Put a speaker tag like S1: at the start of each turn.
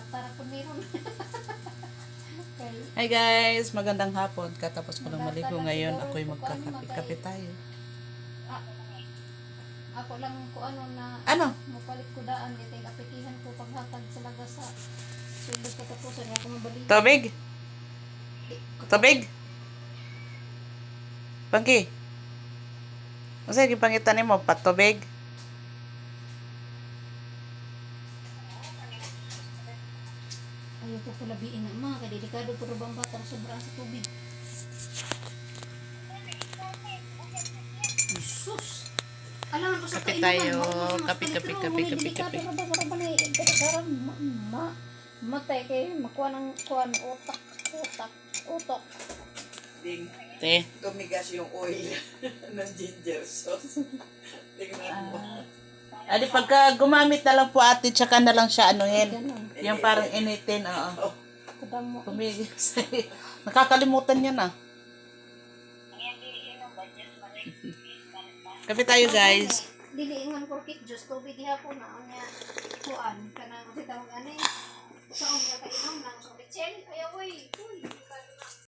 S1: Tara po meron. Okay.
S2: Hi guys, magandang hapon. Katapos ko lang maligo ngayon. Ako'y magkakape tayo.
S1: Ako lang ko ano na
S2: Ano?
S1: mapalit ko daan itay apikihan ko paghatag sa laga sa sulod katapusan ako mabalik.
S2: Tubig? Tubig? Pangki? Masa gipangitan mo patubig?
S1: Ayaw ko kulabiin na mga kadelikado pero bang batang sobrang sa tubig. Jesus! Alam mo sa
S2: Kape
S1: kainuman,
S2: tayo. Kape.
S1: Matay kayo, makuha ng kuhan, utok.
S2: Te.
S3: Tumigas yung oil ng ginger sauce. Tingnan mo.
S2: Adi pagka gumamit na lang po ate, tsaka na lang siya anuhin.
S1: Ganun.
S2: Yung parang initin, oo.
S1: Kadang mo.
S2: Tumigis. Nakakalimutan niya na. Kape tayo guys.
S1: Diliingan ko kit juice tubig hapon na unya kuan kanang kasi tawag ani. Sa unya ka inom nang sa bitchen. Ayaw oy.